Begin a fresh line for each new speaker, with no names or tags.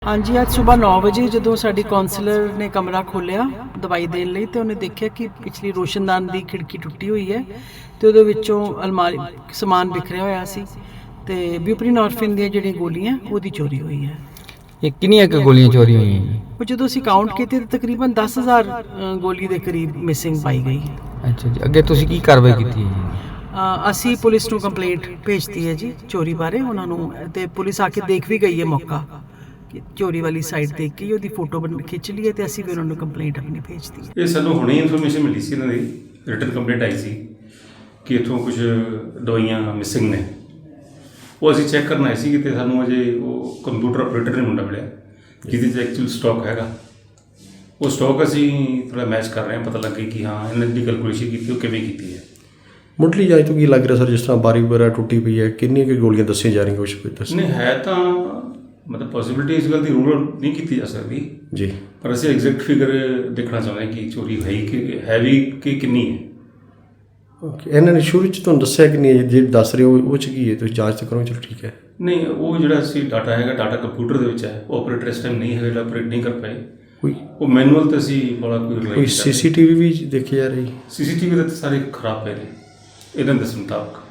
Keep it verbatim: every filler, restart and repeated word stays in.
हाँ जी, ਅੱਜ ਸੁਬਾਹ ਨੌ ਵਜੇ ਜਦੋਂ ਸਾਡੀ ਕਾਉਂਸਲਰ ਨੇ ਕਮਰਾ ਖੋਲ੍ਹਿਆ ਦਵਾਈ ਦੇਣ ਲਈ ਤੇ ਉਹਨੇ ਦੇਖਿਆ ਕਿ ਪਿਛਲੀ ਰੋਸ਼ਨਦਾਨ ਦੀ ਖਿੜਕੀ ਟੁੱਟੀ ਹੋਈ ਹੈ ਤੇ ਉਹਦੇ ਵਿੱਚੋਂ ਅਲਮਾਰੀ ਸਮਾਨ ਬਿਖਰਿਆ ਹੋਇਆ ਸੀ ਤੇ ਬਿਊਪਰੀਨੋਰਫਿਨ ਦੀਆਂ ਜਿਹੜੀਆਂ ਗੋਲੀਆਂ ਉਹਦੀ ਚੋਰੀ ਹੋਈ ਹੈ।
ਇਹ ਕਿੰਨੀਆਂ ਕੁ ਗੋਲੀਆਂ ਚੋਰੀ ਹੋਈਆਂ ਜੀ?
ਉਹ ਜਦੋਂ ਅਸੀਂ ਕਾਊਂਟ ਕੀਤੇ ਤਾਂ ਤਕਰੀਬਨ ਦਸ ਹਜ਼ਾਰ ਅ, ਗੋਲੀ ਦੇ ਕਰੀਬ ਮਿਸਿੰਗ ਪਾਈ ਗਈ।
ਅੱਛਾ ਜੀ, ਅੱਗੇ ਤੁਸੀਂ ਕੀ ਕਾਰਵਾਈ ਕੀਤੀ ਹੈ ਜੀ?
ਅ, ਅਸੀਂ ਪੁਲਿਸ ਨੂੰ ਕੰਪਲੇਂਟ ਭੇਜਤੀ ਹੈ ਜੀ ਚੋਰੀ ਬਾਰੇ ਉਹਨਾਂ ਨੂੰ, ਤੇ ਪੁਲਿਸ ਆ ਕੇ ਦੇਖ ਵੀ ਗਈ ਹੈ ਮੌਕਾ ਕਿ ਚੋਰੀ ਵਾਲੀ ਸਾਈਡ ਦੇਖ ਕੇ ਉਹਦੀ ਫੋਟੋ ਬਣ ਖਿੱਚ ਲਈ ਹੈ ਤੇ ਅਸੀਂ ਵੀ ਉਹਨਾਂ ਨੂੰ ਕੰਪਲੇਂਟ ਆਪਣੀ ਭੇਜਤੀ ਹੈ।
ਇਹ ਸਾਨੂੰ ਹੁਣੇ ਇਨਫੋਰਮੇਸ਼ਨ ਮਿਲੀ ਸੀ, ਇਹਨਾਂ ਦੀ ਰਿਟਨ ਕੰਪਲੇਂਟ ਆਈ ਸੀ ਕਿ ਇੱਥੋਂ ਕੁਝ ਦਵਾਈਆਂ ਮਿਸਿੰਗ ਨੇ। ਉਹ ਅਸੀਂ ਚੈੱਕ ਕਰਨ ਆਏ ਸੀ ਕਿ ਸਾਨੂੰ ਅਜੇ ਉਹ ਕੰਪਿਊਟਰ ਆਪਰੇਟਰ ਨੇ ਮੁੰਡਾ ਮਿਲਿਆ ਜਿਹਦੇ 'ਚ ਐਕਚੁਅਲ ਸਟਾਕ ਹੈਗਾ। ਉਹ ਸਟਾਕ ਅਸੀਂ ਥੋੜ੍ਹਾ ਮੈਚ ਕਰ ਰਹੇ ਹਾਂ, ਪਤਾ ਲੱਗੇ ਕਿ ਹਾਂ ਇਹਨਾਂ ਦੀ ਕੈਲਕੂਲੇਸ਼ਨ ਕੀਤੀ ਉਹ ਕਿਵੇਂ ਕੀਤੀ ਹੈ।
ਮੁੱਢਲੀ ਜਾਂਚ ਤੋਂ ਕੀ ਲੱਗ ਰਿਹਾ ਸਰ, ਜਿਸ ਤਰ੍ਹਾਂ ਬਾਰੀ ਵਗੈਰਾ ਟੁੱਟੀ ਪਈ ਹੈ, ਕਿੰਨੀਆਂ ਕੁ ਗੋਲੀਆਂ ਦੱਸੀਆਂ ਜਾ ਰਹੀਆਂ, ਕੁਛ ਕੋਈ ਦੱਸ
ਨਹੀਂ ਹੈ ਤਾਂ ਮਤਲਬ ਪੋਸੀਬਿਲਿਟੀ ਇਸ ਗੱਲ ਦੀ ਰੂਲ ਨਹੀਂ ਕੀਤੀ ਜਾ ਸਕਦੀ
ਜੀ,
ਪਰ ਅਸੀਂ ਐਗਜ਼ੈਕਟ ਫਿਗਰ ਦੇਖਣਾ ਚਾਹੁੰਦੇ ਹਾਂ ਕਿ ਚੋਰੀ ਹੈ ਕਿ ਹੈ ਵੀ ਕਿ ਕਿੰਨੀ ਹੈ।
ਓਕੇ, ਇਹਨਾਂ ਨੇ ਸ਼ੁਰੂ 'ਚ ਤੁਹਾਨੂੰ ਦੱਸਿਆ ਕਿ ਨਹੀਂ, ਜੇ ਦੱਸ ਰਹੇ ਹੋ ਉਹ 'ਚ ਕੀ ਹੈ, ਤੁਸੀਂ ਜਾਂਚ ਤਾਂ ਕਰੋ, ਚਲੋ ਠੀਕ ਹੈ।
ਨਹੀਂ, ਉਹ ਜਿਹੜਾ ਸੀ ਡਾਟਾ ਹੈਗਾ ਡਾਟਾ ਕੰਪਿਊਟਰ ਦੇ ਵਿੱਚ ਹੈ, ਉਹ ਆਪਰੇਟਰ ਇਸ ਟਾਈਮ ਨਹੀਂ ਹੈ ਜਿਹੜਾ ਆਪਰੇਟ ਨਹੀਂ ਕਰ ਪਾਏ।
ਕੋਈ
ਉਹ ਮੈਨੂਅਲ ਤੇ ਅਸੀਂ ਬੜਾ ਕੋਈ
ਕੋਈ ਸੀ ਸੀ ਟੀ ਵੀ ਵੀ ਦੇਖੀ ਜਾ ਰਹੀ?
ਸੀ ਸੀ ਟੀ ਵੀ ਦੇ ਤਾਂ ਸਾਰੇ ਖਰਾਬ ਪਏ ਨੇ ਇਹਨਾਂ ਦੇ ਦੱਸਣ ਮੁਤਾਬਕ।